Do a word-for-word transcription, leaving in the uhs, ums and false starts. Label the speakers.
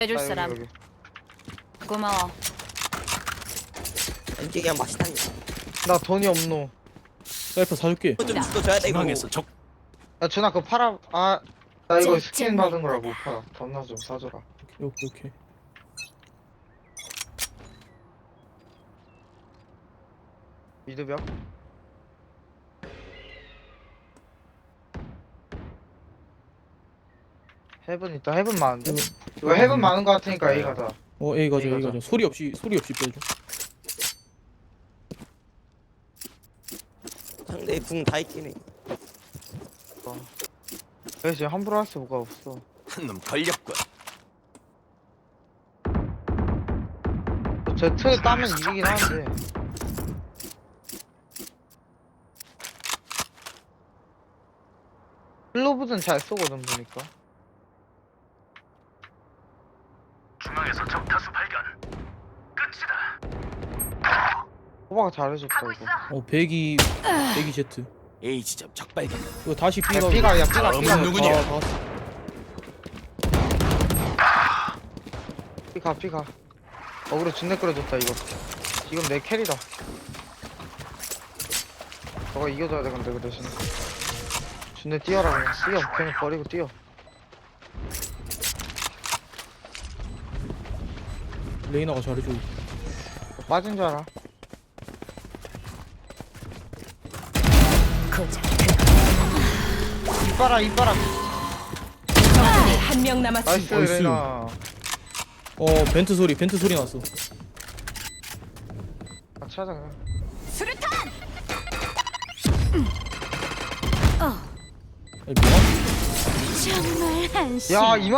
Speaker 1: 해줄
Speaker 2: 아, 여기,
Speaker 1: 사람.
Speaker 2: 여기.
Speaker 1: 고마워.
Speaker 3: 왼쪽이 그냥 맛있다니.
Speaker 2: 나 돈이 없노.
Speaker 4: 사이퍼 사줄게.
Speaker 3: 좀 죽어줘야 돼 이거.
Speaker 5: 중앙에서 적
Speaker 2: 야 준아 그거 팔아. 아, 나 이거
Speaker 1: 쟤,
Speaker 2: 스킨
Speaker 1: 쟤
Speaker 2: 받은 거라 못 팔아. 돈나 좀 사줘라.
Speaker 4: 오케이 오케이.
Speaker 2: 미드벽. 헤븐 있다. 헤븐 많은데. 이거 헤븐 많은 거 같으니까 A 가자.
Speaker 4: 어 A 가자
Speaker 2: A
Speaker 4: A
Speaker 2: 가자.
Speaker 4: 가자. 소리 없이 소리 없이 빼줘.
Speaker 3: 상대 궁 다 있긴 해.
Speaker 2: 그래서 지금 함부로 할 수가 없어.
Speaker 5: 한 놈 걸렸군.
Speaker 2: 제트 따면 이기긴 하는데. 클로브는 잘 쏘거든 보니까.
Speaker 5: 중앙에서 적 다수 발견. 끝이다.
Speaker 2: 호바가 잘해줬다 이거.
Speaker 4: 어 백이 백이 제트.
Speaker 5: A 지점 적 발견.
Speaker 4: 이거 다시 B
Speaker 2: 야
Speaker 4: 가.
Speaker 2: B가 야 B가
Speaker 5: 다음은
Speaker 2: B가
Speaker 5: 누구냐?
Speaker 4: 아, 봤어.
Speaker 2: B가 B가. 어그로 준내 끌어줬다 이거. 지금 내 캐리다. 너가 이겨줘야 돼 근데 그 대신에. 준내 뛰어라 그냥. 뛰어. 그냥 버리고 뛰어.
Speaker 4: 레이나가 잘해줘.
Speaker 2: 맞은 줄 알아.
Speaker 1: 고작.
Speaker 2: 이빨아 이빨아.
Speaker 1: 적군이 한 명 남았습니다.
Speaker 2: 나이스
Speaker 4: 나이스.
Speaker 2: 레나.
Speaker 4: 어 벤트 소리 벤트 소리 났어.
Speaker 2: 같이 하자 그냥.
Speaker 1: 수류탄.
Speaker 4: 야, 뭐야?
Speaker 1: 정말 한심.
Speaker 2: 야 이만